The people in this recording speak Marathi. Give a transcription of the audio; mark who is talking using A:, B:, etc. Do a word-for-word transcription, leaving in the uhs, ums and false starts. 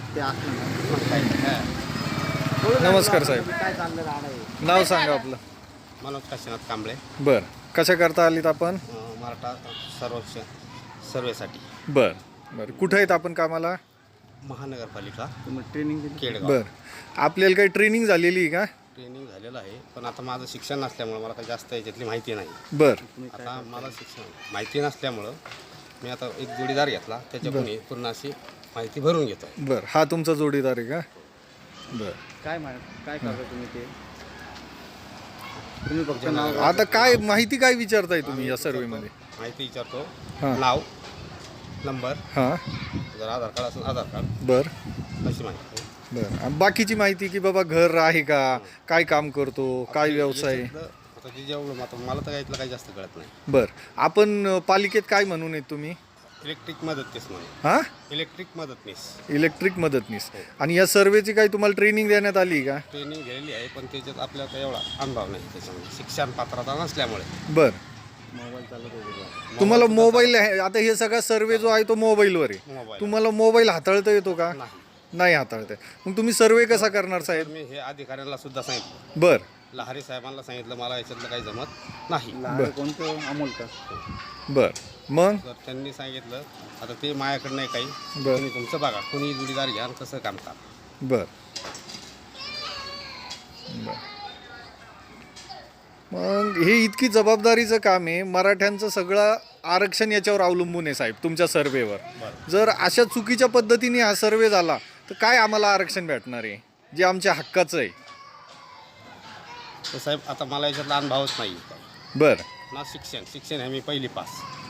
A: ते असलं ना मग काय नाही.
B: हां.
C: नमस्कार साहेब.
A: काय चाललं राहणं आहे
C: नाव सांगा आपलं.
B: मनोज काशीनाथ कांबळे,
C: बर, कशा करता आलीत आपण?
B: अं, मराठा सर्वेक्षण सर्वेसाठी
C: बर बर, कुठं आहेत आपण कामाला?
B: महानगरपालिका
A: तुम्ही ट्रेनिंग दिली
B: केडगाव.
C: बर, आपल्याला काही ट्रेनिंग झालेली आहे का?
B: ट्रेनिंग झालेलं आहे, पण आता माझं शिक्षण नसल्यामुळं मला काही जास्त याच्यातली माहिती नाही.
C: बर
B: आता मला शिक्षण माहिती नसल्यामुळं मी आता एक जोडीदार घेतला, त्याच्याकडून ही पूर्ण अशी माहिती भरून घेतो.
C: बर, हा तुमचा जोडीदार आहे का? बर,
A: काय मा काय करता तुम्ही ते तुम्ही फक्त नाव
C: आता काय माहिती काय विचारताय तुम्ही या सर्वेमध्ये?
B: माहिती विचारतो,
C: हां.
B: नाव, नंबर,
C: हां.
B: जर आधार कार्ड असेल आधार कार्ड,
C: बर
B: अशी माहिती.
C: बर, आणि बाकीची माहिती की बाबा घर आहे का, काय काम करतो, काय व्यवसाय आहे?
B: याच्यातलं आता जे जेवढं आता मला तर यातलं काही जास्त कळत नाही.
C: बर, आपण अ, पालिकेत काय म्हणून आहेत तुम्ही?
B: इलेक्ट्रिक मदतनीस म्हणून.
C: हां,
B: इलेक्ट्रिक मदतनीस
C: इलेक्ट्रिक मदतनीस. आणि या सर्वेची काही तुम्हाला ट्रेनिंग देण्यात आली का?
B: ट्रेनिंग गेलेली आहे, पण त्याच्यात आपल्याला काही एवढा अनुभव नाही त्याच्यामध्ये, शिक्षण पात्रता नसल्यामुळे.
C: बर,
A: मोबाईल चालत होते
C: तुम्हाला मोबाईल आहे, आता हे सगळा सर्वे जो आहे तो मोबाईलवर आहे.
B: मोबाईल
C: तुम्हाला मोबाईल हाताळता येतो का?
B: नाही.
C: नाही हाताळता येत. मग तुम्ही सर्वे कसा करणार
B: तर
C: साहेब?
B: मी हे अधिकाऱ्यांना सुद्धा सांगितलं,
C: बर
B: लहारी साहेबांना सांगितलं, मला याच्यातलं काही जमत नाही.
A: लहान कोणतं अमोल का
C: बर, मग
B: तर त्यांनी सांगितलं आता ते माझ्याकडे नाही काही,
C: बर
B: तुम्ही तुमचं बघा, कोणी जोडीदार घ्या आणि कसं काम करा.
C: बर बर. मग हे इतकी जबाबदारीचं काम आहे, मराठ्यांचं सगळं आरक्षण याच्यावर अवलंबून आहे साहेब, तुमच्या सर्वेवर.
B: बरं.
C: जर अशा चुकीच्या पद्धतीने हा सर्वे झाला तर काय आम्हाला आरक्षण भेटणार आहे जे आमच्या हक्काचं आहे?
B: तर साहेब आता मला याच्यातला अनुभवच नाही.
C: बर
B: ना शिक्षण शिक्षण आहे मी पहिली पास,